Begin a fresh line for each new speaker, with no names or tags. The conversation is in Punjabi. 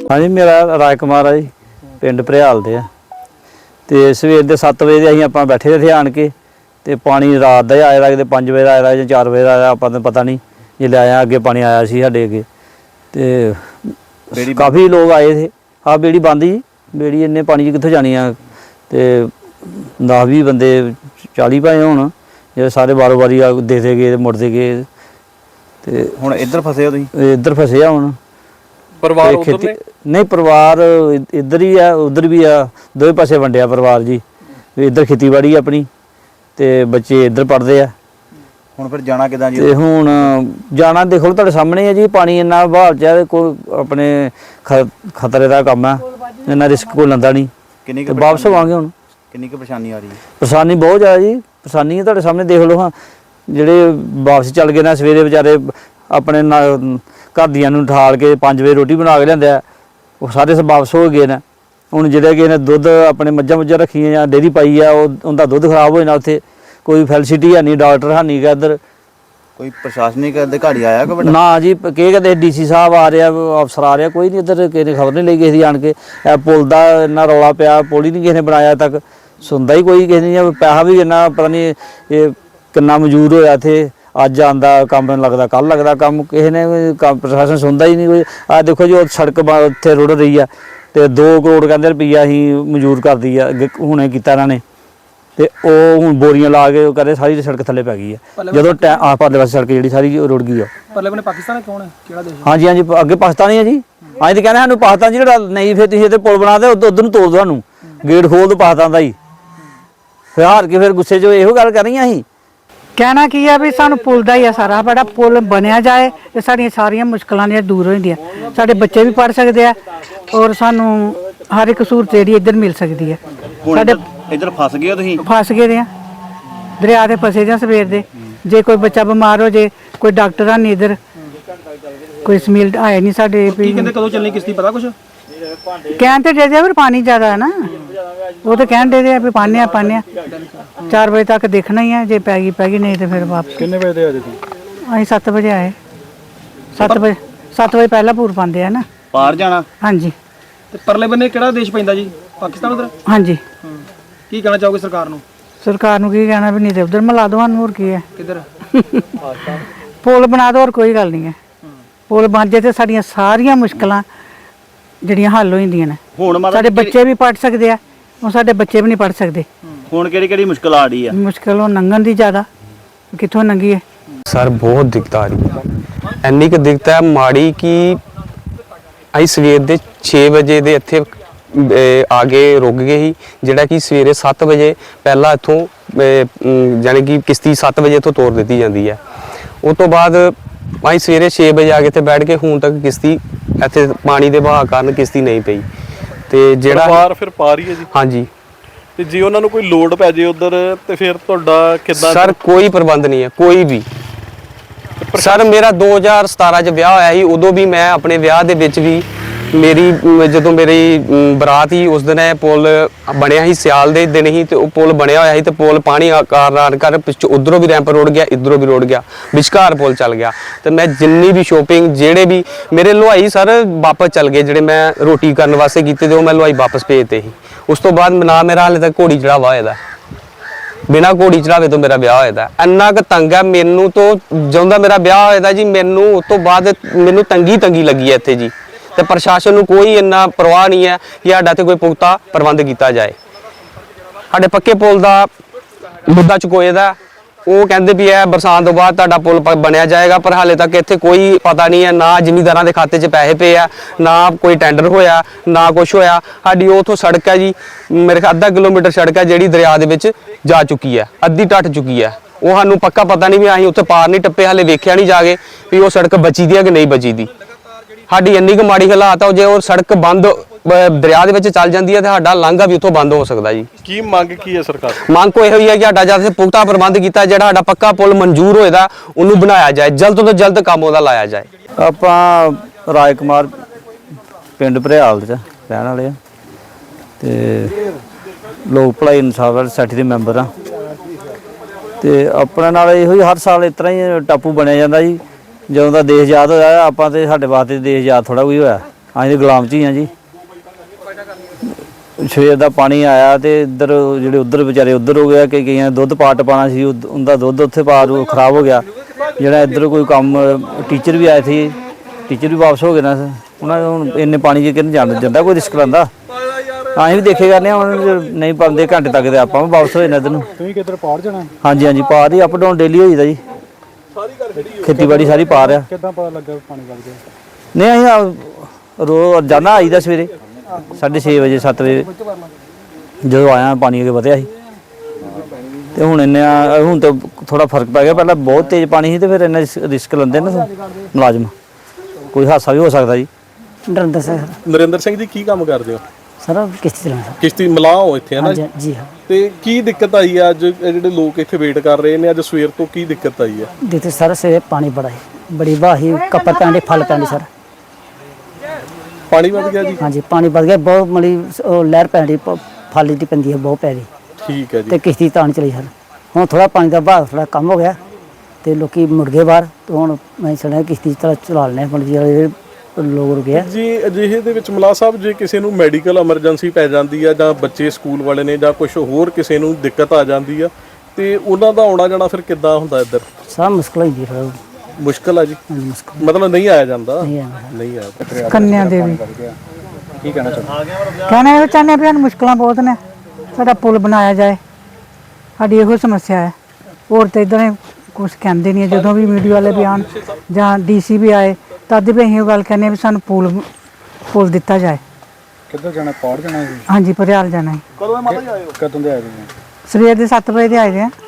हाँ जी, मेरा राज कुमार है जी, पिंड भरियाल दे ते सवेर के 7 बजे असीं आपां बैठे थे आन के ते पानी रात का आए दा, किते 5 बजे आए दा जां 4 बजे आया, आपां तो पता नहीं। जिसले आया अगे पानी आया सी साडे अगे ते काफ़ी लोग आए थे। हाँ, बेड़ी बंद जी, बेड़ी इन्ने पानी कित्थों जानी आ ते 10-20 बंदे 40 भाएं होण, जे सारे बारो बारी देखदे गए मुड़दे गए ते
हुण इधर फसे हो तुसीं?
इधर फसे आ हुण।
परिवार उधर ने?
नहीं, परिवार इधर ही है, उधर भी है, दोवें पासे वंडिया परिवार जी। इधर खेतीबाड़ी अपनी ते बच्चे इधर पढ़ते हैं।
हुण फिर जाना किदां जी?
ते हुण जाना देखो तुहाडे सामने है जी, पानी इन्ना बहाल च है, कोई अपने खतरे का कम है, इन्ना रिस्क कोई लैंदा नहीं।
किन्नी
ते वापस आवांगे हुण।
किन्नी क परेशानी आ रही है?
परेशानी बहुत ज़्यादा जी, परेशानी है तुहाडे सामने देख लो। हाँ, ਜਿਹੜੇ वापस चल गए ना सवेरे बेचारे अपने घर दियां नूं उठाल के 5 बजे रोटी बना के लिआंदे आ, वो सारे वापस हो गए ने। हुण ਜਿਹੜੇ ਕਿਸੇ ने दुद्ध अपने मज्झां रखियां जां डेयरी पाई है, उनका दुद्ध खराब हो जाना। उत्थे कोई फैसिलिटी है नहीं, डॉक्टर है नहीं गा इधर।
कोई प्रशासनिक अधिकारी आया कोई?
ना जी, केह् कहते DC साहब आ रहा, अफसर आ रहा, कोई नहीं इधर। किसी ने खबर नहीं ली किसी दी आन के। पुल का इन्ना रौला पिया, पुल ही नहीं किसी ने बनाया तक, सुनता ही कोई किसी ने। पैसा भी इन्ना पता नहीं ये किन्ना मंजूर होया इत्थे, अज आंदा कम लगता कल लगता कम, किसी ने प्रशासन सुनता ही नहीं कोई। आ देखो जी, सड़क उत्थे रुड़ रही है ते 2 करोड़ कहते रुपया असीं मंजूर कर दी है, हुणे कीता इन्हां ने। ते ओह हुण बोरियां ला के कहते सारी सड़क थल्ले पै गई है। जदों परले पासे सड़क जिहड़ी सारी रुड़ गई है।
परले बने पाकिस्तान कौन है, किहड़ा देश?
हाँ जी, हाँ जी, अगे पाकिस्तान ही है जी। असीं तो कहने सानूं पाकिस्तान जिहड़ा नहीं, फिर तुसीं इत्थे पुल बना दे, उधर नूं तोड़ दो, सानूं गेट खोल दो पाकिस्तान दा ही। फिर हार के फिर गुस्से च इहो गल कर रही असीं।
कहना की है भी सानू पुल का ही है सारा, बड़ा पुल बनया जाए तो साड़ियां सारियां मुश्किलां दूर हो जांदियां, साडे बच्चे भी पढ़ सकते हैं और सानू हर एक सहूलत जिहड़ी इधर मिल सकती है। साडे
इधर फस गए हो तुसीं?
फस गए दे दरिया दे फसे दे सवेर दे। जे कोई बच्चा बीमार हो जाए, कोई डॉक्टर है नहीं इधर, कोई समील आए नहीं साडे।
कहंदे कदों चलनी किश्ती पता कुछ?
कहन तो दे पर पानी ज़्यादा है ना, वो तो कहन दे भी पाने 4 बजे तक देखना ही है, जे पैगी नहीं तो फिर वापस।
कितने बजे आए थे?
अं 7 बजे आए। 7 बजे पहला पूर पाते हैं ना।
पार जाना?
हाँ जी।
ते परले बने किहड़ा देश पैंदा जी? पाकिस्तान उधर?
हाँ जी।
की कहना चाहोगे सरकार नूं?
सरकार नूं की कहना भी नहीं तो उधर मिला दो, होर की है।
किधर?
पुल बना दो, और कोई गल नहीं है। पुल बन जाए तो साड़ियां सारियां मुश्किलां ਜਿਹੜੀਆਂ हल हो जांदियां ने।
हुण माता
साडे बच्चे भी पढ़ सकते हैं, और साडे बच्चे भी नहीं पढ़ सकते।
हुण किहड़ी मुश्किल आ रही है?
मुश्किल हो लंघन दी ज़्यादा, कित्थों लंघीए?
सर बहुत दिक्कत आ रही है, इन्नी क दिक्कत है माड़ी कि असीं सवेर दे 6 बजे दे इत्थे आगे रुक गए ही, जिहड़ा कि सवेरे 7 बजे पहला इत्थों जानी कि किश्ती 7 बजे इत्थों तोड़ दी जाती है। उस तो बाद असीं सवेरे 6 बजे आके इत्थे बैठ के हुण तक किश्ती इत्थे पानी के बहाव कारण किश्ती नहीं पई। ते जिहड़ा
परिवार फिर पा रही है जी?
हाँ जी।
ਤੇ ਜੇ ਉਹਨਾਂ ਨੂੰ ਕੋਈ ਲੋਡ ਪੈ ਜੇ ਉਧਰ ਤੇ ਫਿਰ ਤੁਹਾਡਾ ਕਿੱਦਾਂ?
सर कोई प्रबंध नहीं है, कोई भी। सर मेरा 2017 च ਵਿਆਹ ਹੋਇਆ ਸੀ, ਉਦੋਂ ਵੀ मैं अपने ਵਿਆਹ ਦੇ ਵਿੱਚ ਵੀ मेरी ਜਦੋਂ मेरी ਬਰਾਤ ਹੀ उस दिन पुल ਬਣਿਆ ਸੀ, ਸਿਆਲ ਦੇ ਦਿਨ ਹੀ, ਤੇ ਉਹ ਪੁਲ ਬਣਿਆ ਹੋਇਆ ਸੀ ਤੇ ਪੁਲ ਪਾਣੀ ਕਾਰਨ ਕਰ ਪਿੱਛੋਂ ਉਧਰੋਂ ਵੀ ਰੈਂਪ ਰੋੜ ਗਿਆ, ਇਧਰੋਂ ਵੀ ਰੋੜ ਗਿਆ, ਵਿਚਕਾਰ ਪੁਲ ਚੱਲ ਗਿਆ। ਤੇ ਮੈਂ ਜਿੰਨੀ ਵੀ ਸ਼ੋਪਿੰਗ ਜਿਹੜੇ ਵੀ ਮੇਰੇ ਲੁਹਾਈ ਸਰ ਵਾਪਸ ਚੱਲ ਗਏ, ਜਿਹੜੇ ਮੈਂ ਰੋਟੀ ਕਰਨ ਵਾਸਤੇ ਕੀਤੇ ਤੇ ਉਹ ਮੈਂ ਲੁਹਾਈ ਵਾਪਸ ਭੇਜਤੇ ਸੀ। ਉਸ ਤੋਂ ਬਾਅਦ ਨਾ ਮੇਰਾ ਹਾਲੇ ਤੱਕ ਘੋੜੀ ਚੜਾਵਾ ਹੋਇਆ, ਬਿਨਾ ਘੋੜੀ ਚੜਾਵੇ ਤੋਂ ਮੇਰਾ ਵਿਆਹ ਹੋਇਆ। ਇੰਨਾ ਕੁ ਤੰਗ ਹੈ ਮੈਨੂੰ ਤੋਂ ਜਦੋਂ ਦਾ ਮੇਰਾ ਵਿਆਹ ਹੋਇਆ ਜੀ, ਮੈਨੂੰ ਉਸ ਤੋਂ ਬਾਅਦ ਮੈਨੂੰ ਤੰਗੀ ਲੱਗੀ ਹੈ ਇੱਥੇ ਜੀ। ਤੇ ਪ੍ਰਸ਼ਾਸਨ ਨੂੰ ਕੋਈ ਇੰਨਾ ਪਰਵਾਹ ਨਹੀਂ ਹੈ ਕਿ ਸਾਡਾ ਤੇ ਕੋਈ ਪੁਖਤਾ ਪ੍ਰਬੰਧ ਕੀਤਾ ਜਾਏ। ਸਾਡੇ ਪੱਕੇ ਪੁਲ ਦਾ ਮੁੱਦਾ ਚੁਕੋਏ ਦਾ, ਉਹ ਕਹਿੰਦੇ ਵੀ ਇਹ ਬਰਸਾਤ ਤੋਂ ਬਾਅਦ ਤੁਹਾਡਾ ਪੁਲ ਬਣਿਆ ਜਾਏਗਾ, ਪਰ ਹਾਲੇ ਤੱਕ ਇੱਥੇ ਕੋਈ ਪਤਾ ਨਹੀਂ ਹੈ, ਨਾ ਜ਼ਿਮੀਂਦਾਰਾਂ ਦੇ ਖਾਤੇ 'ਚ ਪੈਸੇ ਪਏ ਆ, ਨਾ ਕੋਈ ਟੈਂਡਰ ਹੋਇਆ, ਨਾ ਕੁਛ ਹੋਇਆ। ਸਾਡੀ ਉਥੋਂ ਸੜਕ ਹੈ ਜੀ, ਮੇਰੇ ਖਿਆਲ 1.5 ਕਿਲੋਮੀਟਰ ਸੜਕ ਹੈ ਜਿਹੜੀ ਦਰਿਆ ਦੇ ਵਿੱਚ ਜਾ ਚੁੱਕੀ ਹੈ, ਅੱਧੀ ਟੱਟ ਚੁੱਕੀ ਹੈ। ਉਹ ਸਾਨੂੰ ਪੱਕਾ ਪਤਾ ਨਹੀਂ ਵੀ ਅਸੀਂ ਉੱਥੇ ਪਾਰ ਨਹੀਂ ਟੱਪੇ, ਹਾਲੇ ਵੇਖਿਆ ਨਹੀਂ ਜਾ ਕੇ ਵੀ ਉਹ ਸੜਕ ਬਚੀ ਦੀ ਹੈ ਕਿ ਨਹੀਂ ਬਚੀ ਦੀ। ਸਾਡੀ ਇੰਨੀ ਕੁ ਮਾੜੀ ਹਾਲਾਤ ਆ, ਜੇ ਉਹ ਸੜਕ ਬੰਦ ਦਰਿਆ ਦੇ ਵਿੱਚ ਚੱਲ ਜਾਂਦੀ ਹੈ ਤੇ ਸਾਡਾ ਲਾਂਘਾ ਵੀ ਉੱਥੋਂ ਬੰਦ ਹੋ ਸਕਦਾ ਜੀ।
ਕੀ ਮੰਗ ਕੀ ਹੈ ਸਰਕਾਰ?
ਮੰਗ ਕੋਈ ਇਹੋ ਹੀ ਹੈ ਕਿ ਸਾਡਾ ਜਦ ਪੁਖਤਾ ਪ੍ਰਬੰਧ ਕੀਤਾ, ਜਿਹੜਾ ਸਾਡਾ ਪੱਕਾ ਪੁਲ ਮਨਜ਼ੂਰ ਹੋਏਦਾ ਉਹਨੂੰ ਬਣਾਇਆ ਜਾਏ, ਜਲਦ ਤੋਂ ਜਲਦ ਕੰਮ ਉਹਦਾ ਲਾਇਆ ਜਾਏ।
ਆਪਾਂ ਰਾਜ ਕੁਮਾਰ ਪਿੰਡ ਭਰਿਆਲ ਦੇ ਰਹਿਣ ਵਾਲੇ ਆ ਤੇ ਲੋਕ ਭਲਾਈ ਇਨਸਾਫ ਸੋਸਾਇਟੀ ਦੇ ਮੈਂਬਰ ਆ। ਤੇ ਆਪਣੇ ਨਾਲ ਇਹੋ ਹੀ ਹਰ ਸਾਲ ਇਸ ਤਰ੍ਹਾਂ ਹੀ ਟਾਪੂ ਬਣਿਆ ਜਾਂਦਾ ਜੀ। ਜਦੋਂ ਦਾ ਦੇਸ਼ ਆਜ਼ਾਦ ਹੋਇਆ ਆਪਾਂ ਤੇ ਸਾਡੇ ਵਾਸਤੇ ਦੇਸ਼ ਆਜ਼ਾਦ ਥੋੜਾ ਕੋਈ ਹੋਇਆ, ਅਸੀਂ ਤੇ ਗੁਲਾਮ 'ਚ ਹੀ ਆ ਜੀ। ਸਵੇਰ ਦਾ ਪਾਣੀ ਆਇਆ ਤੇ ਇੱਧਰ ਜਿਹੜੇ ਉੱਧਰ ਵਿਚਾਰੇ ਉੱਧਰ ਹੋ ਗਿਆ ਕਿ ਕਈਆਂ ਦੁੱਧ ਪਾਟ ਪਾਣਾ ਸੀ, ਉਹਦਾ ਦੁੱਧ ਉੱਥੇ ਪਾ ਉਹ ਖਰਾਬ ਹੋ ਗਿਆ। ਜਿਹੜਾ ਇੱਧਰ ਕੋਈ ਕੰਮ ਟੀਚਰ ਵੀ ਆਏ ਸੀ, ਟੀਚਰ ਵੀ ਵਾਪਸ ਹੋ ਗਏ ਨਾ। ਉਹਨਾਂ ਹੁਣ ਇੰਨੇ ਪਾਣੀ 'ਚ ਕਿਹਨੂੰ ਜਾਂਦਾ ਕੋਈ ਰਿਸਕ ਲੈਂਦਾ। ਅਸੀਂ ਵੀ ਦੇਖੇ ਕਰਨੇ ਹੁਣ ਜੇ ਨਹੀਂ ਪਾਉਂਦੇ ਘੰਟੇ ਤੱਕ ਤੇ ਆਪਾਂ ਵੀ ਵਾਪਸ ਹੋ ਜਾਣਾ ਇੱਧਰ ਨੂੰ।
ਤੁਸੀਂ ਕਿੱਧਰ ਪਾੜ ਜਾਣਾ?
ਹਾਂਜੀ ਹਾਂਜੀ ਪਾਰ ਹੀ ਅਪ ਡਾਊਨ ਡੇਲੀ ਹੋਈਦਾ ਜੀ। ਖੇਤੀਬਾੜੀ ਸਾਰੀ ਪਾਰ ਆ।
ਕਿੱਦਾਂ ਪਤਾ ਲੱਗਾ ਪਾਣੀ ਵੱਗ ਗਿਆ?
ਨਹੀਂ ਅਸੀਂ ਰੋਜ਼ਾਨਾ ਆਈਦਾ ਸਵੇਰੇ 6:30 ਵਜੇ 7 ਵਜੇ ਜਦੋਂ ਆਇਆ ਪਾਣੀ ਅੱਗੇ ਵਧਿਆ ਸੀ ਤੇ ਹੁਣ ਹੁਣ ਤਾਂ ਥੋੜਾ ਫਰਕ ਪੈ ਗਿਆ। ਪਹਿਲਾਂ ਬਹੁਤ ਤੇਜ਼ ਪਾਣੀ ਸੀ ਤੇ ਫਿਰ ਇੰਨਾ ਰਿਸਕ ਲੈਂਦੇ ਨਾ ਮੁਲਾਜ਼ਮ, ਕੋਈ ਹਾਦਸਾ ਵੀ ਹੋ ਸਕਦਾ ਜੀ।
ਨਰਿੰਦਰ ਸਿੰਘ
ਨਰਿੰਦਰ ਸਿੰਘ ਜੀ ਕੀ ਕੰਮ ਕਰਦੇ ਹੋ?
ਸਰ ਕਿਸ਼ਤੀ ਚਲਾਉਣਾ ਸਰ।
ਕਿਸ਼ਤੀ ਮਲਾਹ ਹੋ ਇੱਥੇ ਹੈ ਨਾ?
ਜੀ ਹਾਂ।
ਤੇ ਕੀ ਦਿੱਕਤ ਆਈ ਆ ਅੱਜ ਇਹ ਜਿਹੜੇ ਲੋਕ ਇੱਥੇ ਵੇਟ ਕਰ ਰਹੇ ਨੇ? ਅੱਜ ਸਵੇਰ ਤੋਂ ਕੀ ਦਿੱਕਤ ਆਈ ਆ?
ਦਿੱਤੇ ਸਰ ਸਵੇਰੇ ਪਾਣੀ ਬੜਾ ਹੈ, ਬੜੀ ਵਾਹੀ ਕੱਪੜ ਪੈਂਦੇ ਫਲ ਪੈਂਦੇ ਸਰ।
ਪਾਣੀ ਵੱਧ ਗਿਆ ਜੀ?
ਹਾਂਜੀ ਪਾਣੀ ਵੱਧ ਗਿਆ ਬਹੁਤ, ਮਲੀ ਲਹਿਰ ਪੈਂਦੀ ਫਲ ਦੀ ਪੈਂਦੀ ਹੈ ਬਹੁਤ ਪੈ ਰਹੀ
ਠੀਕ ਹੈ ਜੀ।
ਤੇ ਕਿਸ਼ਤੀ ਤਾਂ ਨਹੀਂ ਚਲੀ ਸਰ। ਹੁਣ ਥੋੜਾ ਪਾਣੀ ਦਾ ਵਹਾਅ ਥੋੜਾ ਕੰਮ ਹੋ ਗਿਆ ਤੇ ਲੋਕੀ ਮੁੜ ਗਏ ਬਾਹਰ ਤੇ ਹੁਣ ਮੈਂ ਸੁਣਿਆ ਕਿਸ਼ਤੀ ਚਲਾ ਲੈਣੇ ਹੁਣ ਜਿਹੜੇ ਲੋਕ ਰੁਕੇ ਆ।
ਜੀ ਅਜਿਹੇ ਦੇ ਵਿੱਚ ਮਲਾਹ ਸਾਹਿਬ ਜੇ ਕਿਸੇ ਨੂੰ ਮੈਡੀਕਲ ਐਮਰਜੈਂਸੀ ਪੈ ਜਾਂਦੀ ਆ ਜਾਂ ਬੱਚੇ ਸਕੂਲ ਵਾਲੇ ਨੇ ਜਾਂ ਕੁਝ ਹੋਰ ਕਿਸੇ ਨੂੰ ਦਿੱਕਤ ਆ ਜਾਂਦੀ ਆ ਤੇ ਉਹਨਾਂ ਦਾ ਆਉਣਾ ਜਾਣਾ ਫਿਰ ਕਿੱਦਾਂ ਹੁੰਦਾ ਇੱਧਰ?
ਸਭ ਮੁਸ਼ਕਲ ਹੁੰਦੀ ਫਿਰ।
ਮੁਸ਼ਕਲ ਆ ਜੀ,
ਮੁਸ਼ਕਲ
ਮਤਲਬ ਨਹੀਂ ਆਇਆ ਜਾਂਦਾ?
ਨਹੀਂ ਆਉਂਦਾ।
ਨਹੀਂ ਆਇਆ।
ਕੰਨਿਆ ਦੇਵੀ
ਕੀ ਕਹਿਣਾ ਚਾਹੁੰਦੇ?
ਕਹਿਣਾ ਇਹ ਚਾਹੁੰਦੇ ਵੀ ਸਾਨੂੰ ਮੁਸ਼ਕਲਾਂ ਬਹੁਤ ਨੇ, ਸਾਡਾ ਪੁਲ ਬਣਾਇਆ ਜਾਏ, ਸਾਡੀ ਇਹੋ ਸਮੱਸਿਆ ਹੈ। ਹੋਰ ਤਾਂ ਇੱਦਾਂ ਕੁਝ ਕਹਿੰਦੇ ਨਹੀਂ। ਜਦੋਂ ਵੀ ਮੀਡੀਆ ਵਾਲੇ ਵੀ ਆਉਣ ਜਾਂ ਡੀਸੀ ਵੀ ਆਏ ਤਦ ਵੀ ਅਸੀਂ ਉਹ ਗੱਲ ਕਹਿੰਦੇ ਵੀ ਸਾਨੂੰ ਪੁਲ ਦਿੱਤਾ ਜਾਏ।
ਕਿੱਧਰ ਜਾਣਾ? ਪਾੜ ਜਾਣਾ?
ਹਾਂਜੀ ਭਰਿਆਲ ਜਾਣਾ ਹੈ।
ਕਦੋਂ ਦੇ ਆਏ ਤੁਸੀਂ?
ਸਵੇਰ ਦੇ 7 ਵਜੇ ਦੇ ਆਏ ਦੇ ਆ।